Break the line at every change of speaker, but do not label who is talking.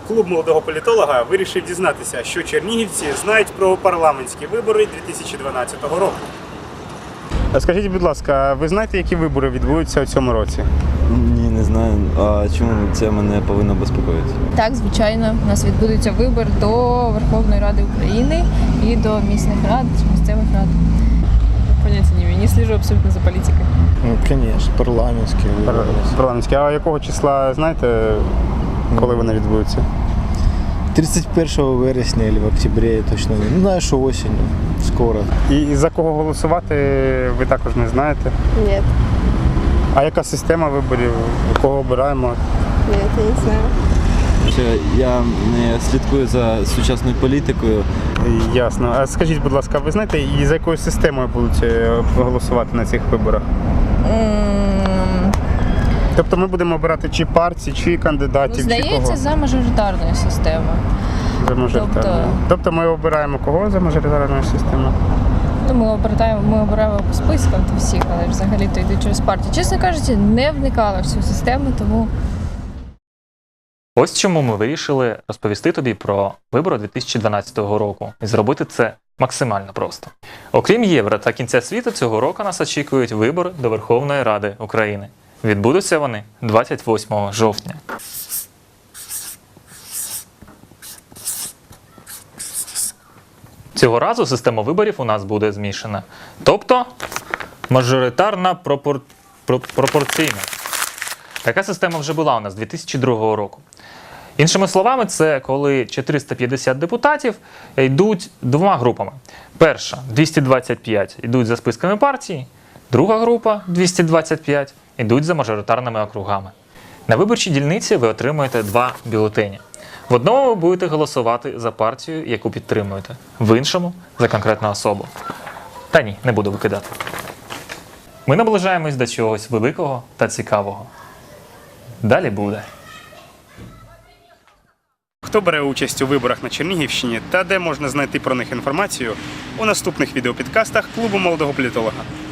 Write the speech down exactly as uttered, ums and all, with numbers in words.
Клуб молодого політолога вирішив дізнатися, що чернігівці знають про парламентські вибори дві тисячі дванадцятого року. Скажіть, будь ласка, ви знаєте, які вибори відбудуться у цьому році?
Ні, не знаю. А чому це мене повинно безпокоїти?
Так, звичайно, у нас відбудеться вибір до Верховної Ради України і до місцевих рад, місцевих рад.
Понятия не имею, не слежу абсолютно за политикой.
Ну, конечно, парламентські вибори.
Парламентські. А якого числа, знаєте, коли вони відбудуться?
тридцять першого вересня або в октябрі, я точно не знаю. Ну, знаю, що осінню, скоро.
І за кого голосувати ви також не знаєте?
Нет,
А яка система виборів? Кого обираємо?
нет, я не знаю.
Що я не слідкую за сучасною політикою.
Ясно. А скажіть, будь ласка, ви знаєте, і за якою системою будуть е, голосувати на цих виборах?
М,
Тобто ми будемо обирати чи партії, чи кандидатів, чи
Здається,
кого?
за мажоритарною системою.
За мажоритарною.
тобто-
Тобто ми обираємо кого за мажоритарною системою?
Ну, ми обираємо, ми обираємо по спискам то всіх, але ж взагалі-то йдуть через партію. Чесно кажучи, не вникала в цю систему, тому
Ось чому ми вирішили розповісти тобі про вибори дві тисячі дванадцятого року і зробити це максимально просто. Окрім Євро та кінця світу, цього року нас очікують вибори до Верховної Ради України. Відбудуться вони двадцять восьмого жовтня. Цього разу система виборів у нас буде змішана. Тобто мажоритарна пропор... про- пропорційна. Така система вже була у нас дві тисячі другого року. Іншими словами, це коли чотириста п'ятдесят депутатів йдуть двома групами. Перша – двісті двадцять п'ять йдуть за списками партії, друга група – двісті двадцять п'ять йдуть за мажоритарними округами. На виборчій дільниці ви отримуєте два бюлетені. В одному ви будете голосувати за партію, яку підтримуєте, в іншому – за конкретну особу. Та ні, не буду викидати. Ми наближаємось до чогось великого та цікавого. Далі буде.
Хто бере участь у виборах на Чернігівщині та де можна знайти про них інформацію у наступних відеопідкастах Клубу молодого політолога.